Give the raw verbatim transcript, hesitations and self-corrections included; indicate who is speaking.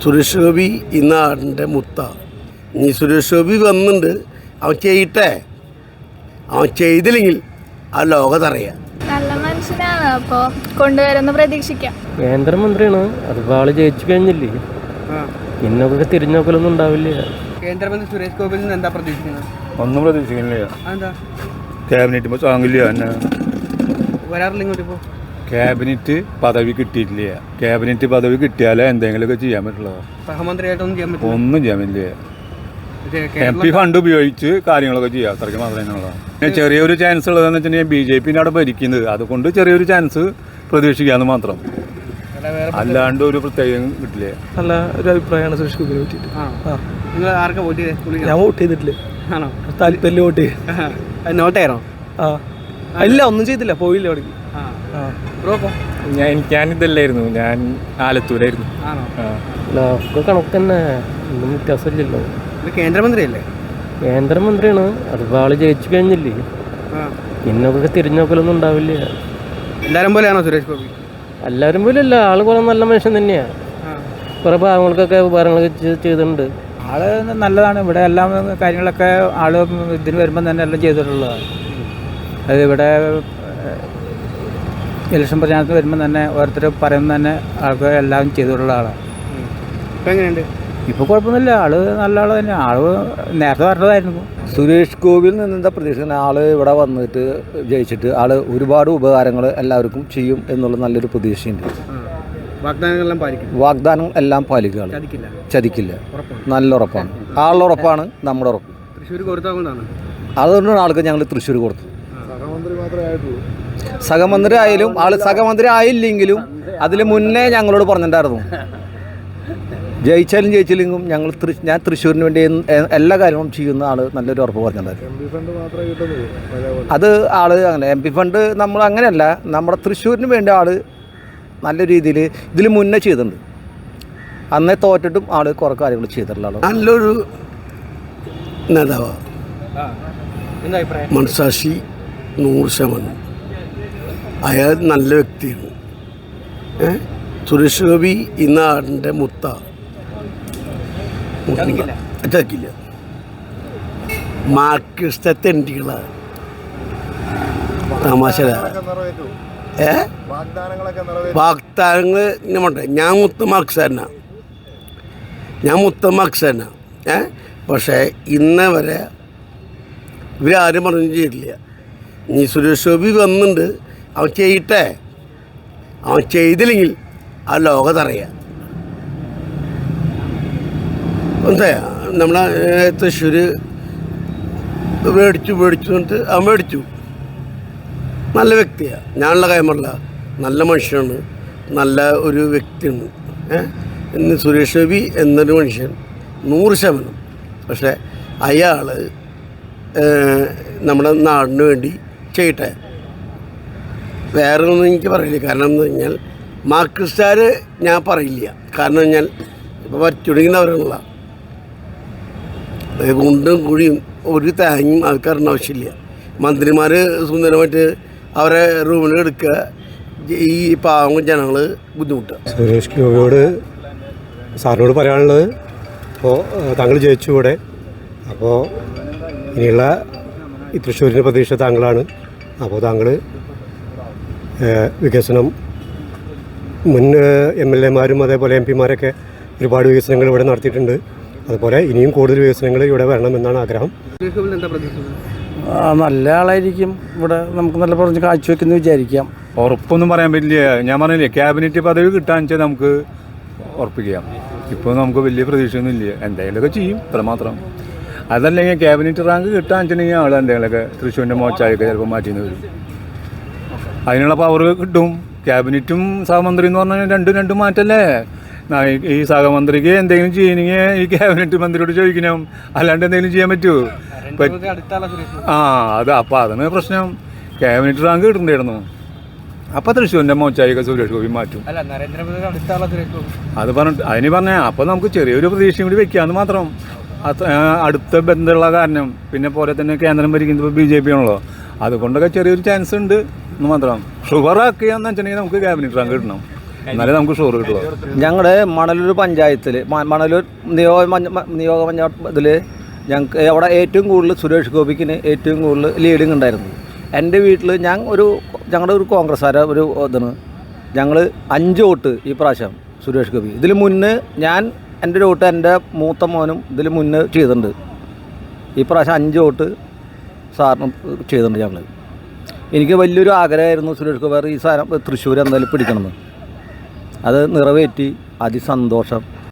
Speaker 1: സുരേഷ് ഗോപി ഈ നാടിൻ്റെ മുത്ത. ഇനി സുരേഷ് ഗോപി വന്നിട്ടുണ്ട്, അവൻ ചെയ്യട്ടെ. അവൻ ചെയ്തില്ലെങ്കിൽ ആ ലോകത്തറിയാം.
Speaker 2: നല്ല മനുഷ്യനാണ്, അപ്പോൾ കൊണ്ടുവരുന്ന പ്രതീക്ഷിക്കാം.
Speaker 3: കേന്ദ്രമന്ത്രിയാണ്, അതിപ്പോൾ ആള് ജയിച്ചു കഴിഞ്ഞില്ലേ, ഇന്നൊക്കെ തിരിഞ്ഞോക്കലൊന്നും ഉണ്ടാവില്ല.
Speaker 4: കേന്ദ്രമന്ത്രി സുരേഷ് ഗോപിയിൽ നിന്ന് എന്താ പ്രതീക്ഷിക്കുന്നത്?
Speaker 5: ഒന്നും പ്രതീക്ഷിക്കുന്നില്ല.
Speaker 4: എന്താ
Speaker 5: ക്യാബിനറ്റ് ഇപ്പോൾ താങ്ങില്ല തന്നെ
Speaker 4: വരാറില്ല ഇങ്ങോട്ട്? ഇപ്പോൾ
Speaker 5: ക്യാബിനറ്റ് പദവി കിട്ടിയിട്ടില്ല. ക്യാബിനറ്റ് പദവി കിട്ടിയാലേ എന്തെങ്കിലുമൊക്കെ ചെയ്യാൻ പറ്റുള്ളൂ.
Speaker 4: സഹമന്ത്രിയായിട്ടൊന്നും ചെയ്യാൻ പറ്റില്ല.
Speaker 5: ഒന്നും ചെയ്യാൻ പറ്റില്ല. എം പി ഫണ്ട് ഉപയോഗിച്ച് കാര്യങ്ങളൊക്കെ ചെയ്യാം, അത്രയ്ക്ക് മാത്രമേ ഉള്ളൂ. പിന്നെ ചെറിയൊരു ചാൻസ് ഉള്ളതെന്ന് വെച്ചിട്ടുണ്ടെങ്കിൽ ബി ജെ പിന്നെ അവിടെ ഭരിക്കുന്നത്, അതുകൊണ്ട് ചെറിയൊരു ചാൻസ് പ്രതീക്ഷിക്കാമെന്ന് മാത്രം, അല്ലാണ്ട് ഒരു പ്രത്യേകം കിട്ടില്ല.
Speaker 6: നല്ല ഒരു അഭിപ്രായമാണ് സുരേഷ് ഗോപിനെ പറ്റിയിട്ട്.
Speaker 4: നിങ്ങൾ ആർക്കാ വോട്ട് ചെയ്തത്?
Speaker 6: ഞാൻ വോട്ട് ചെയ്തിട്ടില്ല.
Speaker 4: ആണോ?
Speaker 6: താല്പര്യം വോട്ട് ചെയ്ത്
Speaker 4: നോട്ടായിരുന്നോ?
Speaker 6: ആ ഇല്ല, ഒന്നും ചെയ്തില്ല, പോയില്ല അവിടേക്ക്.
Speaker 5: ഞാൻ ഞാനിതല്ലായിരുന്നു, ഞാൻ ആലത്തൂരായിരുന്നു.
Speaker 3: ഒക്കെ കണക്ക് തന്നെ, ഒന്നും വ്യത്യാസമില്ലല്ലോ.
Speaker 4: കേന്ദ്രമന്ത്രിയല്ലേ?
Speaker 3: കേന്ദ്രമന്ത്രിയാണ്, അതിപ്പോൾ ആള് ജയിച്ചു കഴിഞ്ഞില്ലേ, ഇന്നൊക്കെ തിരിഞ്ഞോക്കലൊന്നും ഉണ്ടാവില്ല.
Speaker 4: എല്ലാവരും പോലെയാണോ സുരേഷ് ഗോപി?
Speaker 3: എല്ലാവരും പോലെ അല്ല, ആള് കുറെ നല്ല മനുഷ്യൻ തന്നെയാണ്. കുറെ പാവങ്ങൾക്കൊക്കെ ഉപകാരങ്ങളൊക്കെ ചെയ്തിട്ടുണ്ട്.
Speaker 7: ആള് നല്ലതാണ്. ഇവിടെ എല്ലാം കാര്യങ്ങളൊക്കെ ആള് ഇതിന് വരുമ്പം തന്നെ എല്ലാം ചെയ്തിട്ടുള്ളതാണ്. അത് ഇവിടെ ഇലക്ഷൻ പ്രചാരണത്തിന് വരുമ്പം തന്നെ ഓരോരുത്തർ പറയുമ്പോൾ തന്നെ ആൾക്ക് എല്ലാം ചെയ്തിട്ടുള്ള ആളാണ്.
Speaker 4: ഇപ്പം എങ്ങനെയുണ്ട്?
Speaker 7: ഇപ്പോൾ കുഴപ്പമൊന്നുമില്ല, ആള് നല്ല ആൾ തന്നെ. ആള് നേരത്തെ പറഞ്ഞതായിരുന്നു.
Speaker 8: സുരേഷ് ഗോപിയിൽ നിന്ന് എന്താ പ്രതീക്ഷിക്കുന്നത്? ആൾ ഇവിടെ വന്നിട്ട് ജയിച്ചിട്ട് ആൾ ഒരുപാട് ഉപകാരങ്ങൾ എല്ലാവർക്കും ചെയ്യും എന്നുള്ള നല്ലൊരു പ്രതീക്ഷയുണ്ട്.
Speaker 4: വാഗ്ദാനങ്ങളെല്ലാം പാലിക്കും.
Speaker 8: വാഗ്ദാനം എല്ലാം പാലിക്കുക, ചതിക്കില്ല. നല്ല ഉറപ്പാണ്, ആളുടെ ഉറപ്പാണ് നമ്മുടെ ഉറപ്പ്.
Speaker 4: തൃശ്ശൂർ കൊടുത്താകൊണ്ടാണ്
Speaker 8: അതുകൊണ്ടാണ് ആൾക്ക് ഞങ്ങൾ തൃശ്ശൂർ കൊടുത്തു. സഹമന്ത്രി ആയാലും ആൾ സഹമന്ത്രി ആയില്ലെങ്കിലും അതിൽ മുന്നേ ഞങ്ങളോട് പറഞ്ഞിട്ടുണ്ടായിരുന്നു, ജയിച്ചാലും ജയിച്ചില്ലെങ്കിലും ഞങ്ങൾ ഞാൻ തൃശ്ശൂരിന് വേണ്ടി എല്ലാ കാര്യങ്ങളും ചെയ്യുന്ന ആൾ നല്ലൊരു ഉറപ്പ് പറഞ്ഞിട്ടുണ്ടായിരുന്നു. അത് ആള് അങ്ങനെ എം പി ഫണ്ട് നമ്മൾ അങ്ങനെയല്ല, നമ്മുടെ തൃശ്ശൂരിന് വേണ്ടി ആൾ നല്ല രീതിയിൽ ഇതിൽ മുന്നേ ചെയ്തിട്ടുണ്ട്. അന്നേ തോറ്റിട്ടും ആൾ കുറേ കാര്യങ്ങൾ ചെയ്തിട്ടുള്ള ആൾ
Speaker 1: നല്ലൊരു നേതാവാണ്. മനസാക്ഷി നൂറ് ശതമാനം. അയാൾ നല്ല വ്യക്തിയാണ്. സുരേഷ് ഗോപി ഈ നാടിൻ്റെ മുത്ത. ചതിക്കില്ല. മാർക്സിസ്റ്റ് തെണ്ടികളാണ്. തമാശ. ഏ വാഗ്ദാനങ്ങൾ ഇങ്ങനെ ഞാൻ മുത്ത മാർക്സാരനാണ്, ഞാൻ മുത്ത മാർക്സാരനാണ്. ഏ പക്ഷേ ഇന്നേ വരെ ഇവരാരും പറഞ്ഞു ചെയ്തില്ല. ഇനി സുരേഷ് ഗോപി വന്നിട്ടുണ്ട്, അവൻ ചെയ്യട്ടെ. അവൻ ചെയ്തില്ലെങ്കിൽ ആ ലോകത്തറിയാം. എന്താ നമ്മളെ തൃശ്ശൂർ മേടിച്ചു മേടിച്ചു എന്നിട്ട് അവൻ മേടിച്ചു. നല്ല വ്യക്തിയാണ്, ഞാനുള്ള കൈമല്ല, നല്ല മനുഷ്യനാണ്, നല്ല ഒരു വ്യക്തിയാണ്. ഇന്ന് സുരേഷ് ഗോപി എന്നൊരു മനുഷ്യൻ നൂറ് ശതമാനം. പക്ഷേ അയാൾ നമ്മുടെ നാടിന് വേണ്ടി ചെയ്യട്ടെ. വേറെ ഒന്നും എനിക്ക് പറയില്ല. കാരണം എന്ന് പറഞ്ഞാൽ മാർക്സിസ്റ്റുകാർ ഞാൻ പറയില്ല. കാരണം കഴിഞ്ഞാൽ ഇപ്പോൾ പറ്റുടങ്ങുന്നവരുള്ള കുണ്ടും കുഴിയും ഒരു തേങ്ങയും ആൾക്കാരുടെ ആവശ്യമില്ല. മന്ത്രിമാർ സുന്ദരമായിട്ട് അവരെ റൂമിൽ എടുക്കുക, ഈ പാവം ജനങ്ങൾ ബുദ്ധിമുട്ടുക.
Speaker 9: സുരേഷ് ഗോപിയോട് സാറിനോട് പറയാനുള്ളത്, അപ്പോൾ താങ്കൾ ജയിച്ചു ഇവിടെ, അപ്പോൾ ഇനിയുള്ള ഈ തൃശ്ശൂരിൻ്റെ പ്രതീക്ഷ താങ്കളാണ്. അപ്പോൾ താങ്കൾ വികസനം മുൻ എം എൽ എമാരും അതേപോലെ എം പിമാരൊക്കെ ഒരുപാട് വികസനങ്ങൾ ഇവിടെ നടത്തിയിട്ടുണ്ട്. അതുപോലെ ഇനിയും കൂടുതൽ വികസനങ്ങൾ ഇവിടെ വരണമെന്നാണ് ആഗ്രഹം.
Speaker 6: നല്ല ആളായിരിക്കും, ഇവിടെ നമുക്ക് നല്ല പറഞ്ഞ് കാഴ്ചവെക്കുന്നു വിചാരിക്കാം.
Speaker 5: ഉറപ്പൊന്നും പറയാൻ പറ്റില്ല. ഞാൻ പറഞ്ഞില്ലേ, ക്യാബിനറ്റ് പദവി കിട്ടാന്ന് വെച്ചാൽ നമുക്ക് ഉറപ്പിക്കാം. ഇപ്പോൾ നമുക്ക് വലിയ പ്രതീക്ഷയൊന്നും ഇല്ല, എന്തെങ്കിലുമൊക്കെ ചെയ്യും, അത്രമാത്രം. അതല്ലെങ്കിൽ ക്യാബിനറ്റ് റാങ്ക് കിട്ടാന്ന് വെച്ചിട്ടുണ്ടെങ്കിൽ ആൾ എന്തെങ്കിലുമൊക്കെ തൃശ്ശൂരിൻ്റെ മോച്ചായൊക്കെ ചിലപ്പോൾ മാറ്റിന്ന് വരും. അതിനുള്ള പവർ കിട്ടും. ക്യാബിനറ്റും സഹമന്ത്രി എന്ന് പറഞ്ഞാൽ രണ്ടും രണ്ടും മാറ്റല്ലേ. ഈ സഹമന്ത്രിക്ക് എന്തെങ്കിലും ചെയ്യണമെങ്കിൽ ഈ ക്യാബിനറ്റ് മന്ത്രിയോട് ചോദിക്കണം, അല്ലാണ്ട് എന്തെങ്കിലും ചെയ്യാൻ പറ്റുമോ? ആ അത് അപ്പം അതാണ് പ്രശ്നം. ക്യാബിനറ്റ് റാങ്ക് കിട്ടണ്ടായിരുന്നു, അപ്പം തൃശ്ശൂരിൻ്റെ മോച്ചായൊക്കെ സുരേഷ് ഗോപി മാറ്റും. അത് പറഞ്ഞിട്ട് അതിന് പറഞ്ഞാൽ അപ്പം നമുക്ക് ചെറിയൊരു പ്രതീക്ഷയും കൂടി വെക്കാമെന്ന് മാത്രം. അടുത്ത ബന്ധമുള്ള കാരണം, പിന്നെ പോലെ തന്നെ കേന്ദ്രം ഭരിക്കുന്നത് ബി ജെ പി ആണല്ലോ, അതുകൊണ്ടൊക്കെ ചെറിയൊരു ചാൻസ് ഉണ്ട് എന്ന് മാത്രം. ഷുഗർ ആക്കുകയെന്ന് വെച്ചിട്ടുണ്ടെങ്കിൽ നമുക്ക് ക്യാബിനറ്റ് റാങ്ക് കിട്ടണം. എന്നാലേ നമുക്ക് ഷോറ് കിട്ടുള്ളൂ.
Speaker 8: ഞങ്ങളുടെ മണലൂർ പഞ്ചായത്തിൽ മണലൂർ നിയോജക പഞ്ച- നിയോജക പഞ്ചായത്ത് ഇതിൽ ഞങ്ങൾക്ക് അവിടെ ഏറ്റവും കൂടുതൽ സുരേഷ് ഗോപിക്കിന് ഏറ്റവും കൂടുതൽ ലീഡിങ് ഉണ്ടായിരുന്നു. എൻ്റെ വീട്ടിൽ ഞാൻ ഒരു ഞങ്ങളുടെ ഒരു കോൺഗ്രസ്സുകാര ഒരു ഇതാണ് ഞങ്ങൾ അഞ്ച് വോട്ട് ഈ പ്രാവശ്യം സുരേഷ് ഗോപി. ഇതിൽ മുന്നേ ഞാൻ എൻ്റെ ഒരു വോട്ട് എൻ്റെ മൂത്ത മോനും ഇതിൽ മുന്നേ ചെയ്തിട്ടുണ്ട്. ഈ പ്രാവശ്യം അഞ്ച് വോട്ട് സാറിന് ചെയ്തിട്ടുണ്ട് ഞങ്ങൾ. എനിക്ക് വലിയൊരു ആഗ്രഹമായിരുന്നു സുരേഷ് ഗോപി ഈ സാധനം തൃശ്ശൂർ എന്തായാലും പിടിക്കണമെന്ന്. അത് നിറവേറ്റി അതിസന്തോഷം.